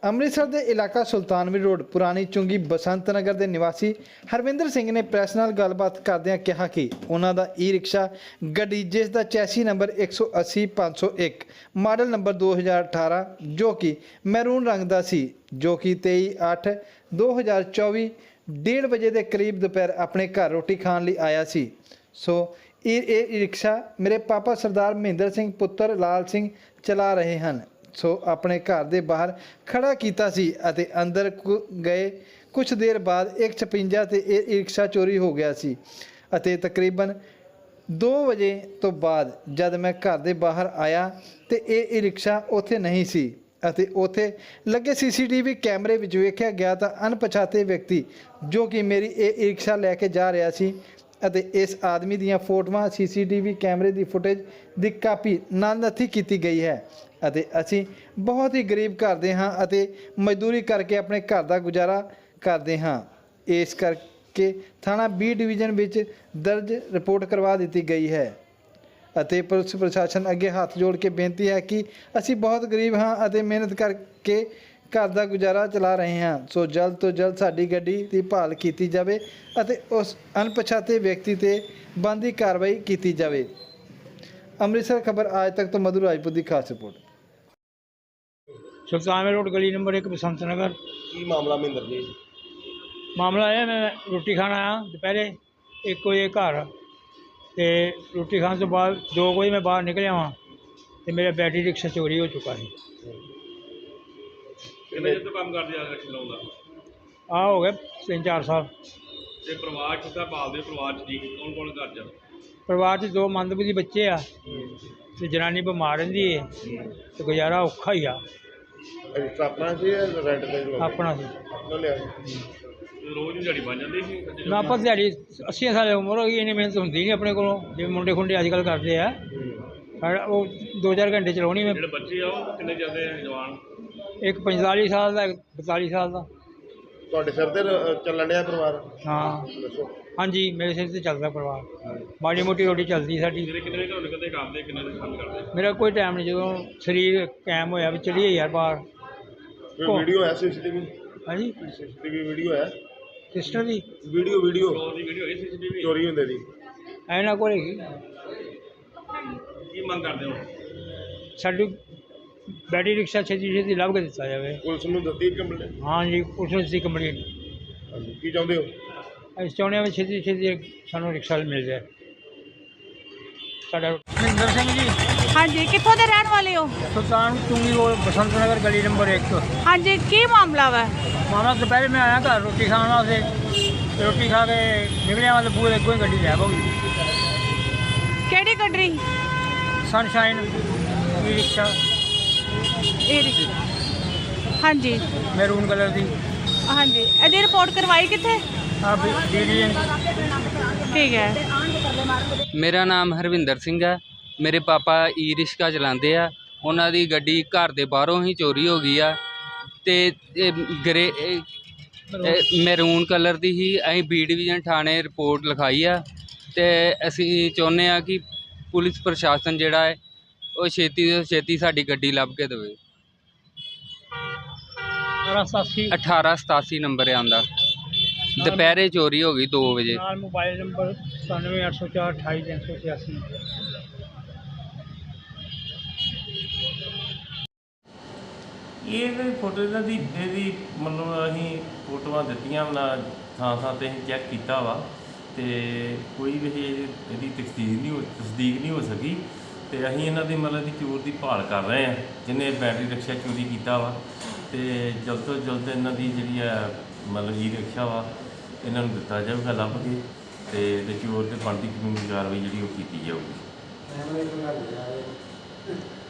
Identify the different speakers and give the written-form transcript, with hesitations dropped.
Speaker 1: ਅੰਮ੍ਰਿਤਸਰ ਦੇ ਇਲਾਕਾ ਸੁਲਤਾਨਵਿੰਡ ਰੋਡ ਪੁਰਾਣੀ ਚੁੰਗੀ ਬਸੰਤ ਨਗਰ ਦੇ ਨਿਵਾਸੀ ਹਰਵਿੰਦਰ ਸਿੰਘ ਨੇ ਪ੍ਰੈਸ ਨਾਲ ਗੱਲਬਾਤ ਕਰਦਿਆਂ ਕਿਹਾ ਕਿ ਉਹਨਾਂ ਦਾ ਈ-ਰਿਕਸ਼ਾ ਗੱਡੀ ਜਿਸ ਦਾ ਚੈਸੀ ਨੰਬਰ 180501 ਮਾਡਲ ਨੰਬਰ 2018 ਜੋ ਕਿ ਮੈਰੂਨ ਰੰਗ ਦਾ ਸੀ, ਜੋ ਕਿ 23/8/2024 1:30 ਵਜੇ ਦੇ ਕਰੀਬ ਦੁਪਹਿਰ ਆਪਣੇ ਘਰ ਰੋਟੀ ਖਾਣ ਲਈ ਆਇਆ ਸੀ। ਸੋ ਇਹ ਰਿਕਸ਼ਾ ਮੇਰੇ ਪਾਪਾ ਸਰਦਾਰ ਮਹਿੰਦਰ ਸਿੰਘ ਪੁੱਤਰ ਲਾਲ ਸਿੰਘ ਚਲਾ ਰਹੇ ਹਨ। ਸੋ ਆਪਣੇ ਘਰ ਦੇ ਬਾਹਰ ਖੜਾ ਕੀਤਾ ਸੀ ਅਤੇ ਅੰਦਰ ਗਏ ਕੁਝ ਦੇਰ ਬਾਅਦ 1:56 ਤੇ ਇਹ ਰਿਕਸ਼ਾ ਚੋਰੀ ਹੋ ਗਿਆ ਸੀ ਅਤੇ ਤਕਰੀਬਨ 2 ਵਜੇ ਤੋਂ ਬਾਅਦ ਜਦ ਮੈਂ ਘਰ ਦੇ ਬਾਹਰ ਆਇਆ ਤੇ ਇਹ ਰਿਕਸ਼ਾ ਉੱਥੇ ਨਹੀਂ ਸੀ ਅਤੇ ਉੱਥੇ ਲੱਗੇ ਸੀਸੀਟੀਵੀ ਕੈਮਰੇ ਵਿੱਚ ਵੇਖਿਆ ਗਿਆ ਤਾਂ ਅਣਪਛਾਤੇ ਵਿਅਕਤੀ ਜੋ ਕਿ ਮੇਰੀ ਇਹ ਰਿਕਸ਼ਾ ਲੈ ਕੇ ਜਾ ਰਿਹਾ ਸੀ ਅਤੇ ਇਸ ਆਦਮੀ ਦੀਆਂ ਫੋਟੋਆਂ ਸੀਸੀਟੀਵੀ ਕੈਮਰੇ ਦੀ ਫੁਟੇਜ ਦੀ ਕਾਪੀ ਨਾਲ ਨੱਥੀ ਕੀਤੀ ਗਈ ਹੈ ਅਤੇ ਅਸੀਂ ਬਹੁਤ ਹੀ ਗਰੀਬ ਘਰ ਦੇ ਹਾਂ ਅਤੇ ਮਜ਼ਦੂਰੀ ਕਰਕੇ ਆਪਣੇ ਘਰ ਦਾ ਗੁਜ਼ਾਰਾ ਕਰਦੇ ਹਾਂ। ਇਸ ਕਰਕੇ ਥਾਣਾ ਬੀ ਡਿਵੀਜ਼ਨ ਵਿੱਚ ਦਰਜ ਰਿਪੋਰਟ ਕਰਵਾ ਦਿੱਤੀ ਗਈ ਹੈ ਅਤੇ ਪੁਲਿਸ ਪ੍ਰਸ਼ਾਸਨ ਅੱਗੇ ਹੱਥ ਜੋੜ ਕੇ ਬੇਨਤੀ ਹੈ ਕਿ ਅਸੀਂ ਬਹੁਤ ਗਰੀਬ ਹਾਂ ਅਤੇ ਮਿਹਨਤ ਕਰਕੇ ਘਰ ਦਾ ਗੁਜ਼ਾਰਾ ਚਲਾ ਰਹੇ ਹਾਂ। ਸੋ ਜਲਦ ਤੋਂ ਜਲਦ ਸਾਡੀ ਗੱਡੀ ਦੀ ਭਾਲ ਕੀਤੀ ਜਾਵੇ ਅਤੇ ਉਸ ਅਣਪਛਾਤੇ ਵਿਅਕਤੀ 'ਤੇ ਬਣਦੀ ਕਾਰਵਾਈ ਕੀਤੀ ਜਾਵੇ। ਅੰਮ੍ਰਿਤਸਰ ਖਬਰ आज तक तो मधु राजपूत की खास रिपोर्ट।
Speaker 2: सुल्तानविंड रोड गली नंबर 1 बसंत नगर।
Speaker 3: की मामला महेंद्र जी?
Speaker 2: मामला है मैं रोटी खान आया दोपहरे 1 बजे घर तो रोटी खाने तो बाद 2 बजे मैं बाहर निकलिया वहाँ तो मेरा बैटरी रिक्शा चोरी हो चुका है।
Speaker 3: कितने तो काम करते हैं रिक्शा लाउंदा?
Speaker 2: हो गए 3-4 साल।
Speaker 3: ते परिवार कितना पालदे? परिवार च जी कौन घर च?
Speaker 2: परिवार 'ਚ 2 मंदबुद्धि बच्चे आ ते जनानी बीमार रहिंदी है तो गुजारा औखा ही आ।
Speaker 3: अपना सी रेंट ते?
Speaker 2: अपना सी।
Speaker 3: रोज दिहाड़ी बन जाती सी?
Speaker 2: ना पर दिहाड़ी 80 साल उम्र हो गई, इन्नी मेहनत होंदी नहीं अपने को जिवें मुंडे खुंडे अजकल करते हैं। वो 2-4 घंटे चलानी में।
Speaker 3: जेह्ड़े बच्चे आ ओह किन्ने चलदे जवान?
Speaker 2: एक 45 साल का, एक 42 साल का।
Speaker 3: ਤੁਹਾਡੇ ਸਿਰ ਤੇ ਚੱਲਣ ਡਿਆ ਪਰਿਵਾਰ?
Speaker 2: हाँ
Speaker 3: ਦੱਸੋ।
Speaker 2: हाँ जी, मेरे सिर से चलता परिवार। माड़ी मोटी रोटी चलती साडी।
Speaker 3: ਜਿਹੜੇ ਕਿੰਨੇ ਵਜੇ ਘਰੋਂ ਨਿਕਲਦੇ ਕੰਮ ਦੇ ਕਿੰਨੇ ਵਜੇ ਕੰਮ ਕਰਦੇ?
Speaker 2: मेरा कोई टाइम नहीं, जो शरीर कायम होया भी चलिए यार बाहर।
Speaker 3: ਕੋਈ ਵੀਡੀਓ ਹੈ ਸੀਸੀਟੀਵੀ?
Speaker 2: हाँ जी,
Speaker 3: ਸੀਸੀਟੀਵੀ ਵੀਡੀਓ ਹੈ?
Speaker 2: सिस्टर दी
Speaker 3: ਵੀਡੀਓ ਚੋਰੀ ਦੀ ਵੀਡੀਓ ਹੈ ਸੀਸੀਟੀਵੀ ਚੋਰੀ ਹੁੰਦੇ ਦੀ?
Speaker 2: ऐना को
Speaker 3: ਕੀ ਮੰਗ ਕਰਦੇ ਹੋ?
Speaker 2: साडी बैटरी रिक्शा छेती छेती लभ के दिता जाए।
Speaker 3: ਪੁਲਿਸ ਨੂੰ ਦਿੱਤੀ ਕੰਪਲੇਂਟ?
Speaker 2: हाँ जी, पुलिस ने दी कंप्लेंट।
Speaker 3: ਹਾਂਜੀ ਕੀ ਚਾਹੁੰਦੇ ਹੋ?
Speaker 2: ਅਸੀਂ ਚਾਹੁੰਦੇ ਹਾਂ ਛੇਤੀ ਛੇਤੀ ਸਾਨੂੰ ਰਿਕਸ਼ਾ ਮਿਲ ਜਾਏ ਸਾਡਾ। ਮਹਿੰਦਰ ਸਿੰਘ ਜੀ।
Speaker 4: ਹਾਂਜੀ, ਕਿੱਥੋਂ ਦੇ ਰਹਿਣ ਵਾਲੇ ਹੋ?
Speaker 2: ਸੁਲਤਾਨ ਚੁੰਗੀ ਰੋਡ ਬਸੰਤ ਨਗਰ ਗਲੀ ਨੰਬਰ 1।
Speaker 4: ਹਾਂਜੀ, ਕੀ ਮਾਮਲਾ ਵਾ?
Speaker 2: ਮਾਮਲਾ ਦੁਪਹਿਰੇ ਮੈਂ ਆਇਆ ਘਰ ਰੋਟੀ ਖਾਣ ਵਾਸਤੇ, ਰੋਟੀ ਖਾ ਕੇ ਨਿਕਲਿਆ ਵਾਲੇ ਪੂਰੇ ਅੱਗੋਂ ਹੀ ਗੱਡੀ ਲੈ ਹੋ ਗਈ।
Speaker 4: ਕਿਹੜੀ ਗੱਡੀ?
Speaker 2: ਸਨਸ਼ਾਈਨ ਈ ਰਿਕਸ਼ਾ,
Speaker 4: ਇਹ ਰਿਕਸ਼ਾ। ਹਾਂਜੀ
Speaker 2: ਮੈਰੂਨ ਕਲਰ ਦੀ।
Speaker 4: ਹਾਂਜੀ, ਇਹਦੀ ਰਿਪੋਰਟ ਕਰਵਾਈ ਕਿੱਥੇ?
Speaker 2: ਆ ਡਿਵੀਜ਼ਨ।
Speaker 4: ਠੀਕ ਹੈ।
Speaker 5: ਮੇਰਾ ਨਾਮ ਹਰਵਿੰਦਰ ਸਿੰਘ ਹੈ। ਮੇਰੇ ਪਾਪਾ ਈ ਰਿਕਸ਼ਾ ਚਲਾਉਂਦੇ ਆ। ਉਹਨਾਂ ਦੀ ਗੱਡੀ ਘਰ ਦੇ ਬਾਹਰੋਂ ਹੀ ਚੋਰੀ ਹੋ ਗਈ ਆ ਅਤੇ ਮੈਰੂਨ ਕਲਰ ਦੀ ਹੀ। ਅਸੀਂ ਬੀ ਡਿਵੀਜ਼ਨ ਥਾਣੇ ਰਿਪੋਰਟ ਲਿਖਾਈ ਆ ਅਤੇ ਅਸੀਂ ਚਾਹੁੰਦੇ ਹਾਂ ਕਿ ਪੁਲਿਸ ਪ੍ਰਸ਼ਾਸਨ ਜਿਹੜਾ ਹੈ ਉਹ ਛੇਤੀ ਤੋਂ ਛੇਤੀ ਸਾਡੀ ਗੱਡੀ ਲੱਭ ਕੇ ਦੇਵੇ। 1887 ਨੰਬਰ ਆਉਂਦਾ। ਦੁਪਹਿਰੇ ਚੋਰੀ ਹੋ ਗਈ 2 ਵਜੇ।
Speaker 2: ਨਾਲ ਮੋਬਾਈਲ ਨੰਬਰ 9780428386।
Speaker 6: ਇਹ ਫੋਟੋ ਇਹਦੀ ਮਤਲਬ ਅਸੀਂ ਫੋਟੋਆਂ ਦਿੱਤੀਆਂ ਨਾ ਥਾਂ ਥਾਂ 'ਤੇ ਅਸੀਂ ਚੈੱਕ ਕੀਤਾ ਵਾ ਅਤੇ ਕੋਈ ਵੀ ਇਹਦੀ ਤਸਦੀਕ ਨਹੀਂ ਹੋ ਸਕੀ ਅਤੇ ਅਸੀਂ ਇਹਨਾਂ ਦੀ ਮਤਲਬ ਚੋਰ ਦੀ ਭਾਲ ਕਰ ਰਹੇ ਹਾਂ ਜਿਹਨੇ ਬੈਟਰੀ ਰਿਕਸ਼ਾ ਚੋਰੀ ਕੀਤਾ ਵਾ ਅਤੇ ਜਲਦ ਤੋਂ ਜਲਦ ਇਹਨਾਂ ਦੀ ਜਿਹੜੀ ਆ ਮਤਲਬ ਈ ਰਿਕਸ਼ਾ ਵਾ ਇਹਨਾਂ ਨੂੰ ਦਿੱਤਾ ਜਾਊਗਾ ਲੱਭ ਕੇ ਅਤੇ ਚੋਰ 'ਤੇ ਬਣਦੀ ਕਾਨੂੰਨੀ ਕਾਰਵਾਈ ਜਿਹੜੀ ਉਹ ਕੀਤੀ ਜਾਊਗੀ।